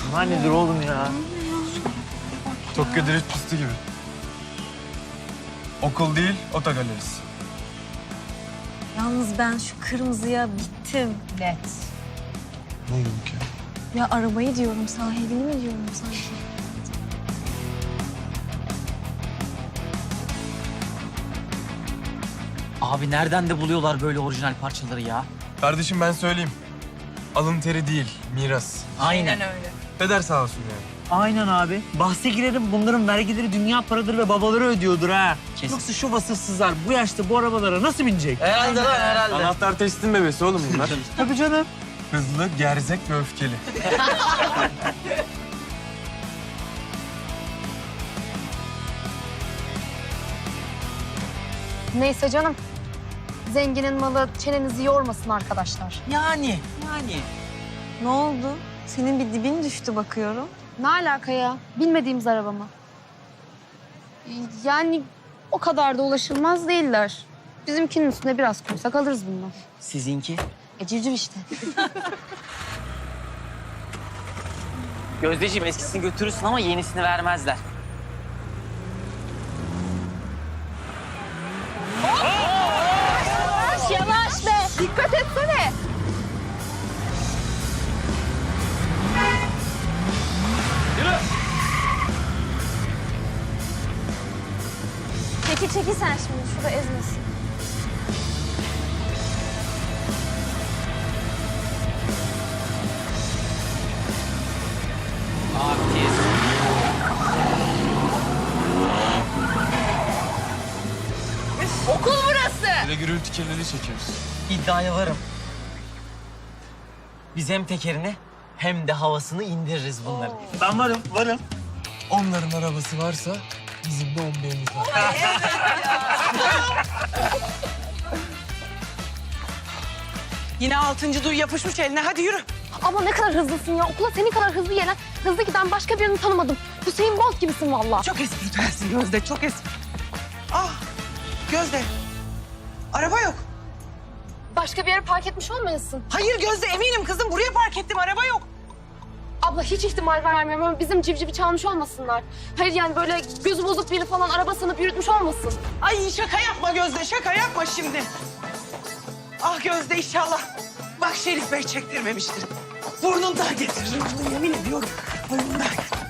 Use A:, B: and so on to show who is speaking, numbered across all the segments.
A: Bunlar nedir oğlum ya?
B: Tokyo drift pisti gibi. Okul değil, otogalerisi.
C: Yalnız ben şu kırmızıya bittim.
D: Net.
B: Ne oldu ki?
C: Ya arabayı diyorum, sahibini mi diyorum sanki?
A: Abi nereden de buluyorlar böyle orijinal parçaları ya?
B: Kardeşim ben söyleyeyim. Alın teri değil, miras.
A: Aynen.
D: öyle.
B: Peder sağ olsun yani.
E: Aynen abi. Bahse girerim, bunların vergileri dünya paradır ve babaları ödüyordur ha.
A: Kesin.
E: Yoksa şu vasıfsızlar bu yaşta bu arabalara nasıl binecek?
A: Herhalde lan herhalde.
B: Anahtar testin bebesi oğlum bunlar.
E: Tabii canım.
B: Hızlı, gerzek ve öfkeli.
F: Neyse canım. Zenginin malı çenenizi yormasın arkadaşlar.
A: Yani.
C: Ne oldu? Senin bir dibin düştü bakıyorum.
F: Ne alaka ya? Bilmediğimiz araba mı? Yani o kadar da ulaşılmaz değiller. Bizimkinin üstüne biraz koysak alırız bundan.
A: Sizinki?
F: Civciv işte.
A: Gözdeciğim eskisini götürürsün ama yenisini vermezler.
F: Yavaş be! Dikkat etsene!
C: Çekil sen şimdi, şurada ezmesin.
A: Artist.
D: Okul burası.
B: Bir de gürültü kirliliği çekiyoruz.
A: İddiaya varım. Biz hem tekerini hem de havasını indiririz bunların.
E: Ben varım.
B: Onların arabası varsa bizim de 11'imiz var.
D: Yine 6. duy yapışmış eline. Hadi yürü.
F: Ama ne kadar hızlısın ya. Okula senin kadar hızlı gelen, hızlı giden başka birini tanımadım. Hüseyin Bolt gibisin vallahi.
D: Çok espritüelsin Gözde, çok espri. Ah, Gözde. Araba yok.
F: Başka bir yere park etmiş olmayasın.
D: Hayır Gözde, eminim kızım. Buraya park ettim, araba yok.
F: Abla hiç ihtimal vermiyorum ama bizim civcivi çalmış olmasınlar. Hayır yani böyle gözü bozuk biri falan arabasını yürütmüş olmasın.
D: Ay şaka yapma Gözde, şaka yapma şimdi. Ah Gözde inşallah. Bak Şerif Bey çektirmemiştir. Burnundan getiririm bunu yemin ediyorum. Burnundan.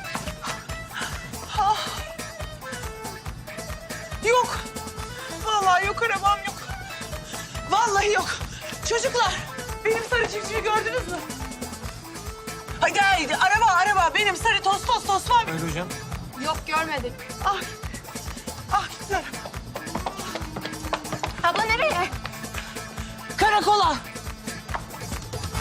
D: Ah. Yok. Vallahi yok, arabam yok. Vallahi yok. Çocuklar, benim sarı civcivi gördünüz mü? Hadi haydi, araba. Benim sarı toz var.
B: Öyle hocam.
F: Yok görmedik.
D: Ah, ah gitti araba.
F: Abla nereye?
D: Karakola.